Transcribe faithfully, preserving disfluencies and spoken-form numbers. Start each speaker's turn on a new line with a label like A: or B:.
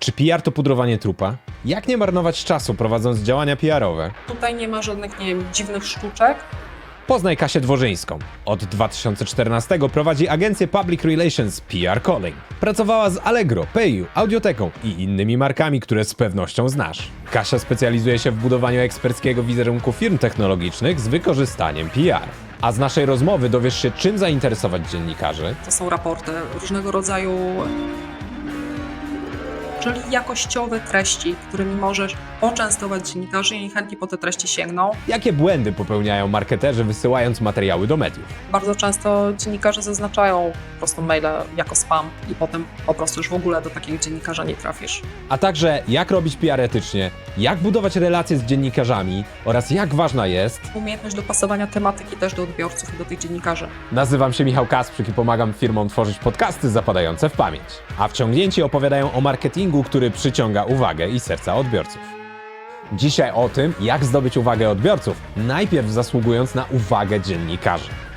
A: Czy P R to pudrowanie trupa? Jak nie marnować czasu prowadząc działania P R-owe?
B: Tutaj nie ma żadnych, nie wiem, dziwnych sztuczek.
A: Poznaj Kasię Dworzyńską. Od dwa tysiące czternastego prowadzi agencję Public Relations P R Calling. Pracowała z Allegro, PayU, Audioteką i innymi markami, które z pewnością znasz. Kasia specjalizuje się w budowaniu eksperckiego wizerunku firm technologicznych z wykorzystaniem P R. A z naszej rozmowy dowiesz się, czym zainteresować dziennikarzy,
B: To są raporty różnego rodzaju, czyli jakościowe treści, którymi możesz poczęstować dziennikarzy i chętnie po te treści sięgną.
A: jakie błędy popełniają marketerzy wysyłając materiały do mediów.
B: Bardzo często dziennikarze zaznaczają po prostu maile jako spam i potem po prostu już w ogóle do takiego dziennikarza nie trafisz.
A: A także jak robić P R etycznie, jak budować relacje z dziennikarzami oraz jak ważna jest...
B: Umiejętność dopasowania tematyki też do odbiorców i do tych dziennikarzy.
A: Nazywam się Michał Kasprzyk i pomagam firmom tworzyć podcasty zapadające w pamięć. A wciągnięci opowiadają o marketingu, który przyciąga uwagę i serca odbiorców. Dzisiaj o tym, jak zdobyć uwagę odbiorców, najpierw zasługując na uwagę dziennikarzy.